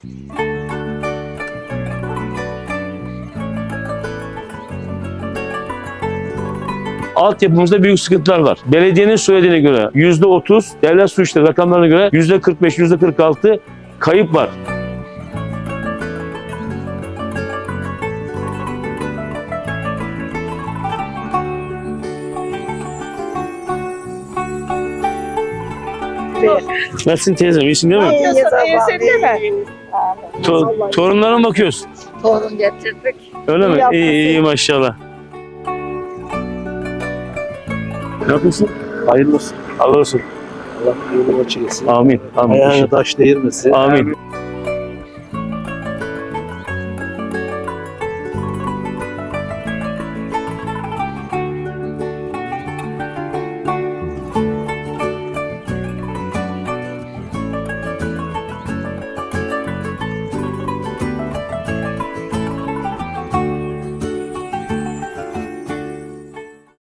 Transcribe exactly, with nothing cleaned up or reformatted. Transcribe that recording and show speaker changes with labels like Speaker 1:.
Speaker 1: Altyapımızda büyük sıkıntılar var. Belediyenin söylediğine göre yüzde otuz, devlet su işleri rakamlarına göre yüzde kırk beş, yüzde kırk altı kayıp var. Nasılsın teyzem? İyisin değil mi?
Speaker 2: İyiyiz Allah'ım.
Speaker 1: To torunlara mı bakıyorsun?
Speaker 2: Torun getirdik.
Speaker 1: Öyle mi?
Speaker 2: İyi
Speaker 1: İyi, iyi maşallah. Ne yapıyorsun?
Speaker 3: Hayırlı olsun.
Speaker 1: Allah olsun.
Speaker 3: Allah yolunu açık etsin.
Speaker 1: Amin. Amin.
Speaker 3: Ayağına taş değirmesin.
Speaker 1: Amin.